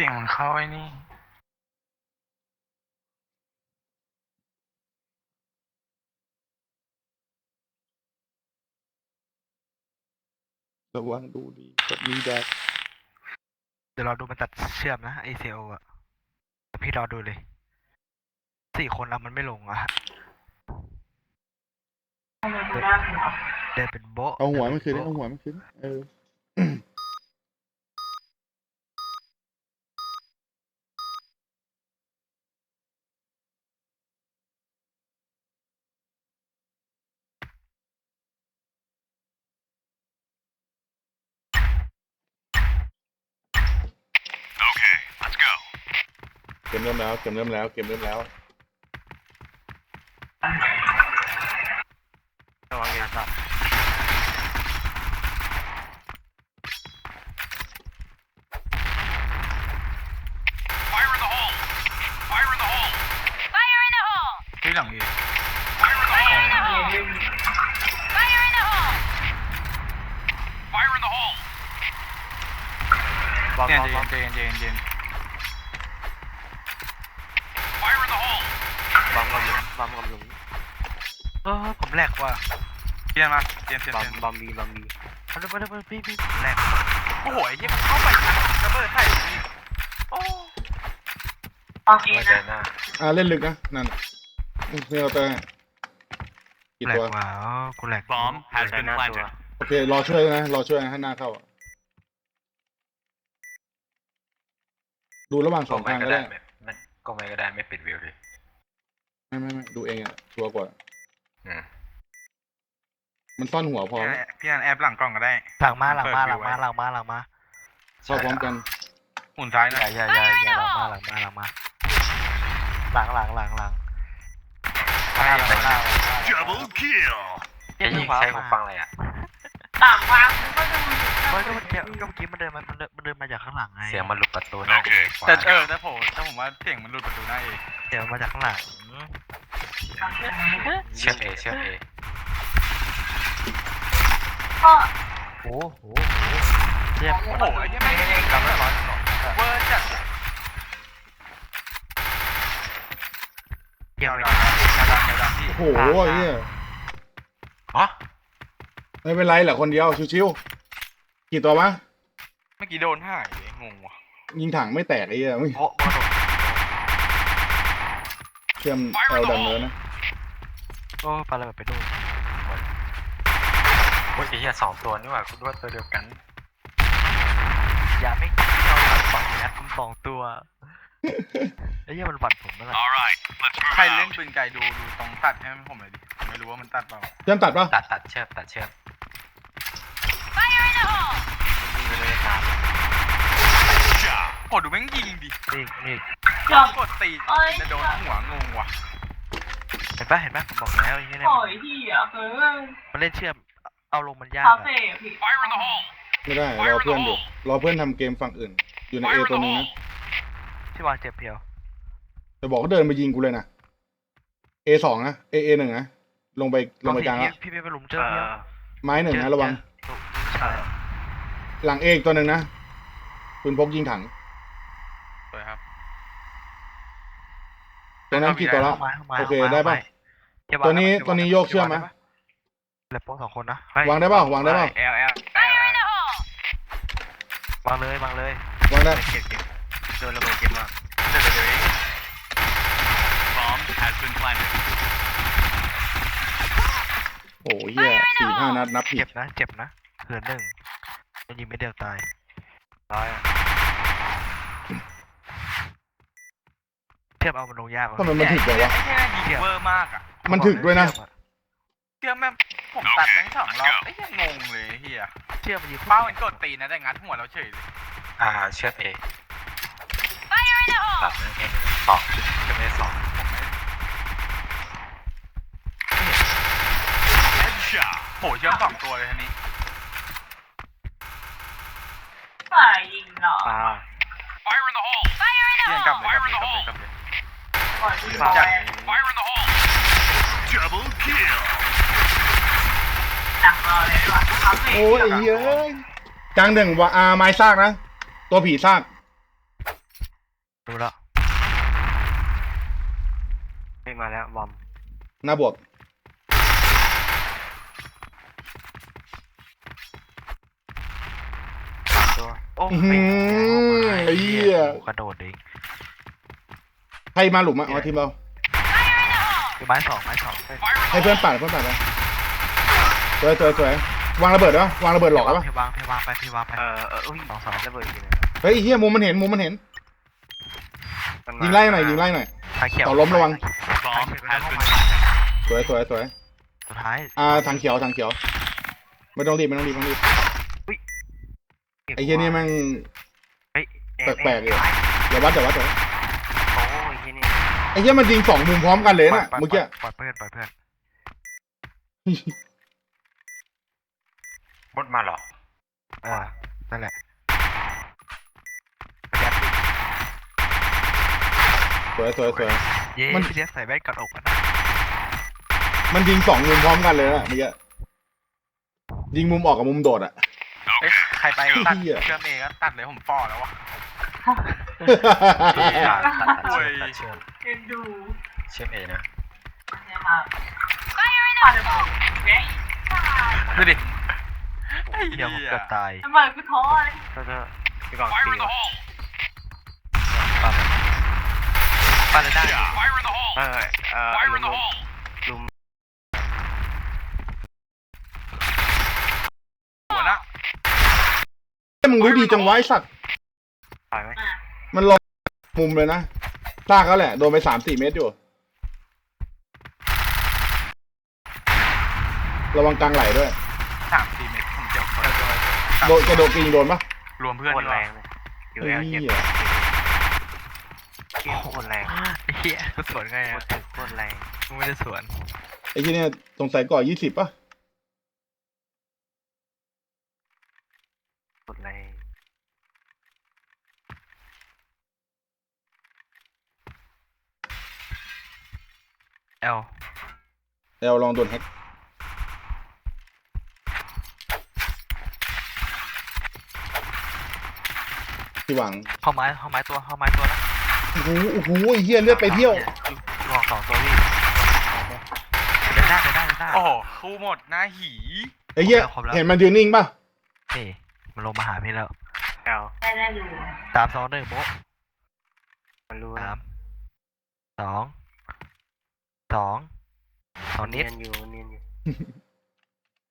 สียงมันเข้าไอ้นี่ระวังดูดีกับมีแดกเดี๋ยวเราดูมันตัดเชื่อมนะไอเซลอะพี่รอดูเลย4 คนแล้วมันไม่ลงอะเดินเป็นโบ๊ะเอาหัวมันคืนเดินเอาเป็นหัโบ๊ะวมันคืนเกมเริ่มแล้วเกมเริ่มแล้วเกมเริ่มแล้วระวังอย่าสับที่หลังอีกวางเนี่ยวางวางเจนวางกับหลุมวางกับหลุมผมแหลกว่ะเจนมาเจนบอมบีมาเลยพี่แหลกโอ้โหไอ้เหี้ยมันเข้าไประเบิดใส่โอ้มาใจหน้าเล่นลึกนะนั่นเพื่อแต่กี่แหลกตัวว่ะกูแหลก Bomb has been planted โอเครอช่วยนะรอช่วยนะให้หน้าเข้าดูระหว่างสองทางก็ได้มันก็ไม่ก็ได้ไม่ปิดวิวดิไม่ดูเองอ่ะชัวร์กว่ามันซ่อนหัวพอพี่อันแอบหลังกล่องก็ได้หลังมาเข้าพร้อมกันหมุนซ้ายนะอย่าหลังมาหลัง Double kill. จะยิงใช้หูฟังอะไรอ่ะต่างวางก็ดูเมื่อกี้มันเดินมาจากข้างหลังไงเสียงมันหลุดประตูหน้า Okay. แต่ผมว่าเสียงมันหลุดประตูได้เองเดี๋ยวมาจากข้างหลังเชื่อเอก็โอ้โหเทียบโอ้โหไอ้เหี้ยไม่ได้กำลังร้อนเวอร์จัดเกี่ยวเลยดังพี่โอ้โหเฮียฮะไม่เป็นไรแหละคนเดียวชิวๆกี่ตัววะเมื่อกี้โดนหายเลยงงว่ะยิงถังไม่แตกไอ้เหี้ยโบ๊ะโดนเชื่อมเอลดันเลยนะโอ้ปลาระเบิดไปดูโอ้ยไอ้เหี้ย2 ตัวนี่หว่าคุณว่าตัวเดียวกันอย่าไม่เอา2 ตัวไอ้เหี้ยมันฝันผมนั่นแหละ All right, let's move ใครเล่น out. ปืนไกลดูตรงตัดให้ผมเลยดิไม่รู้ว่ามันตัดเปล่าเชื่อมตัดปะตัดเชือกไม่ได้ตาม Shot. กดดูแม่งยิงดินี่จบกดตีจะโดนหัวงงว่ะเห็นปะผมบอกแล้วไอ้เหี้ยเนี่ยปล่อยที่อ่ะคือมันเล่นเชื่อมเอาลงมันยากคาอะเฟ่พี่ Fire in the hole. ไม่ได้รอเพื่อนอยู่รอเพื่อนทำเกมฝั่งอื่น อยู่ในเอ Fire in ตัว the นึง hole. นะที่วางเจ็บเพียวแต่บอกก็เดินไปยิงกูเลยนะเอสองนะเอหนึ่งนะลงไปกลางแล้วพี่ไปหลุมเจอเพียวไม้หนึ่งนะระวังใช่หลังเอกตัวหนึ่งนะปืนพกยิงถังสวยครับตรงนั้นกี่ตัวแล้ว โอเคได้ปะเก็บตัวนี้โยกเชื่อมไหมเหลือโป๊ะ2 คนนะวางได้ป่าววางได้ป่าวแอลวางเลยวางได้เก็บโดนระเบิดเก็บมากเดี๋ยวเอง Bomb has been planted. โอ้ยเหี้ย4-5 นัดนับผิเจ็ดบนะเหือน1มันยิงไม่เดียวตายตายเทียบเอามันลงยากทำไมมันถึกเลยวะแค่ยิงเวอร์มากอ่ะมันถึกด้วยนะเชื่อแม่ผมตัดแม่ง2 รอบไอ้ยังงงเลยเฮียเชื่อมันยิงเป้ามันกดตีนะแต่งัดหัวเราเฉยเลยเชือกเอตัดนั่นเอง2จะไม่2 ผมไม่ Headshot. โหเชื่อม2 ตัวเลยทีนี้ฝ่ายยิงเหรอ Fire in the hole. เที่ยงกลับเลยปล่อยที่จัด Fire in the hole. Double kill. หนักรอเลยว่ะคาเฟ่โอ้ยไอ้เหี้ยกลางหนึ่งว่าไม้ซากนะตัวผีซากดูแล้วไม่มาแล้วบอมหน้าบวกตัวโอ้อื้อหือไอ้เหี้ยกระโดดเองใครมาหลุมอ่ะอ๋อทีมเราคือไม้สองให้เพื่อนปั่นไปสวยวางระเบิดได้ปะวางระเบิดหลอกได้ปะพี่วางไปอุ้ยสองระเบิดอยู่เลยเฮ้ยไอ้เฮียมุมมันเห็นยิงไล่หน่อยขาเขียวต่อล้มระวัง Bomb has been สวยสุดท้ายทางเขียวไม่ต้องรีบไอ้เฮียนี่แม่งเฮ้ยแปลกๆเลยอย่าวัดโอ้ยที่นี่ไอ้เฮียมันยิง2 มุมพร้อมกันเลยน่ะเมื่อกี้ปล่อยเพื่อนมดมาเหรอนั่นแหละสวยเย้มันพี่เลี้ยใส่แว่นกัดอกนะมันยิง2 มุมพร้อมกันเลยน่ะเมื่อกี้ยิงมุมออกกับมุมโดดอ่ะเอ้ยใครไปตัดเหี้ยเชื่อมเองก็ตัดเลยผมฝ่อแล้ววะตัดเชื่อมเอ็นดูเชื่อมเอนะนะครับผ่านระเบิดเฮ้ยดูดิไอ้เดี๋ยวผมเหี้ยเกือบตายระเบิดกูท้อเลยพี่กอง Fire ตี in the วะ hole! ปั้นเลยได้ Fire in the hole! Fire in the hole! หัวนะมึงรู้ดีจังวะไอ้สัตว์ตายไหมมันลงมุมเลยนะซากเขาแหละโดนไป3-4 เมตรอยู่ระวังกลางไหลด้วย 3-4 เมตรผมเจ็บคนกระโดดยิงโดนปะรวมเพื่อนโคดีตรกแรว่างเลยอยู่เฮ้แอย ลเจ็บเหี้ยโคตรแรงเฮียกูสวนไงโคอ่ะตรถึกโคตรแรงกูไม่ได้สวนไอ้ที่เนี่ยสงสัยก่อ20ป่ะโคตรแรงเอลแล้วลองโดนแฮกที่หวังเข้าไม้ตัวนะโอ้โหไอ้เหี้ยเลือดไปเที่ยวลอง2 ตัวพี่เดินได้โอ้โหคู่หมดหน้าหีไอ้เหี้ยครบแล้วเห็นมันยืนนิ่งป่ะนี่มันลงมาหาพี่แล้วแอลได้ดู 3 2 1โบ๊ะมันรู้ 3 2 2 2นิดเนียนอยู่